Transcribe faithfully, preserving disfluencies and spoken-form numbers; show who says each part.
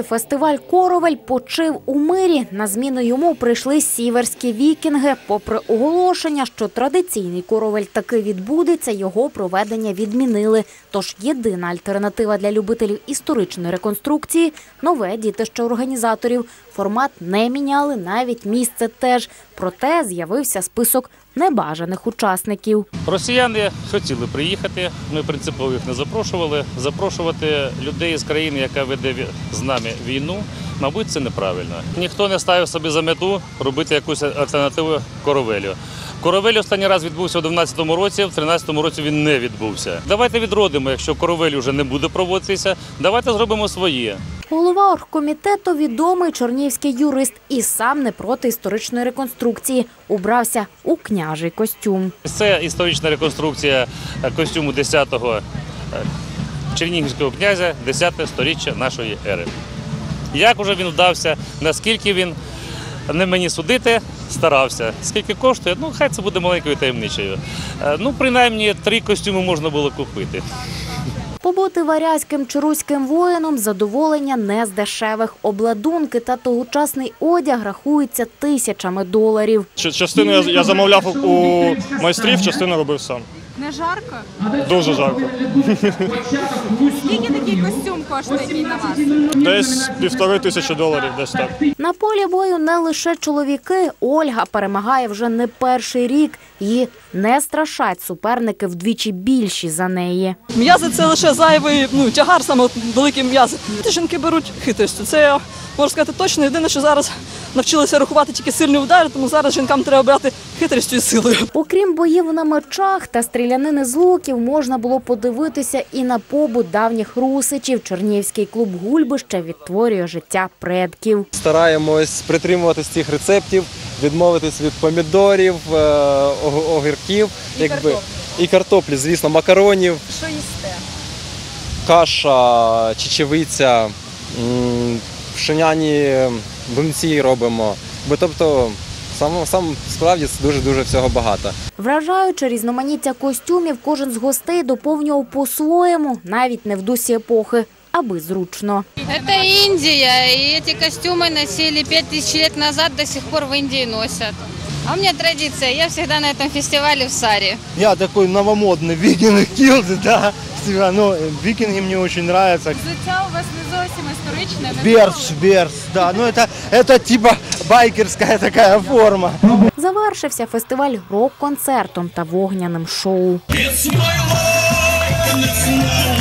Speaker 1: році фестиваль «Коровель» почив у мирі. На зміну йому прийшли сіверські вікінги. Попри оголошення, що традиційний «Коровель» таки відбудеться, його проведення відмінили. Тож єдина альтернатива для любителів історичної реконструкції – нове дітище організаторів. Формат не міняли, навіть місце теж. Проте з'явився список небажаних учасників.
Speaker 2: Росіяни хотіли приїхати, ми принципово їх не запрошували. Запрошувати людей з країни, яка веде з нами війну, мабуть, це неправильно. Ніхто не ставив собі за мету робити якусь альтернативу «Коровелю». «Коровель» останній раз відбувся у дванадцятому році, в тринадцятому році він не відбувся. Давайте відродимо, якщо «Коровель» вже не буде проводитися, давайте зробимо своє.
Speaker 1: Голова оргкомітету – відомий чорнігівський юрист і сам не проти історичної реконструкції. Убрався у княжий костюм.
Speaker 2: Це історична реконструкція костюму десятого чернігівського князя, десяте сторіччя нашої ери. Як уже він вдався, наскільки він, не мені судити, старався. Скільки коштує? Ну, хай це буде маленькою таємничею. Ну, принаймні, три костюми можна було купити.
Speaker 1: Побути варязьким чи руським воїном – задоволення не з дешевих. Обладунки та тогочасний одяг рахуються тисячами доларів.
Speaker 3: Частину я замовляв у майстрів, частину робив сам.
Speaker 4: Не жарко?
Speaker 3: Дуже жарко.
Speaker 4: Скільки такий костюм коштує, який на вас?
Speaker 3: Десь півтори тисячі доларів, десь так.
Speaker 1: На полі бою не лише чоловіки. Ольга перемагає вже не перший рік. Її не страшать суперники вдвічі більші за неї.
Speaker 5: М'язи – це лише зайвий ну, тягар, саме великі м'язи. Жінки беруть хитрістю. Це я можу сказати точно. Єдине, що зараз навчилися рахувати тільки сильні удари, тому зараз жінкам треба брати хитрістю і силою.
Speaker 1: Окрім боїв на мечах та стрілянини з луків, можна було подивитися і на побут давніх русичів. Чернігівський клуб «Гульбище» відтворює життя предків.
Speaker 6: Стараємось притримуватись цих рецептів, відмовитись від помідорів, огірків.
Speaker 4: І картоплі.
Speaker 6: І картоплі, звісно, макаронів.
Speaker 4: Що їсте?
Speaker 6: Каша, чечевиця, пшеняні млинці робимо. Тобто, сам, сам справді дуже-дуже всього багато.
Speaker 1: Вражаючи різноманіття костюмів, кожен з гостей доповнював по-своєму, навіть не в дусі епохи, аби зручно.
Speaker 7: Это Индия, и эти костюмы носили пять тысяч лет назад, до сих пор в Индии носят. А у меня традиция, я всегда на этом фестивале в саре.
Speaker 8: Я такой новомодный викинг килды, да, ну, викинги мне очень нравятся.
Speaker 4: Взуття у вас не зовсім історичне.
Speaker 8: Берс, берс, да, ну это, это типа байкерская такая форма.
Speaker 1: Завершився фестиваль рок-концертом та вогняним шоу.
Speaker 9: It's my life, and it's now.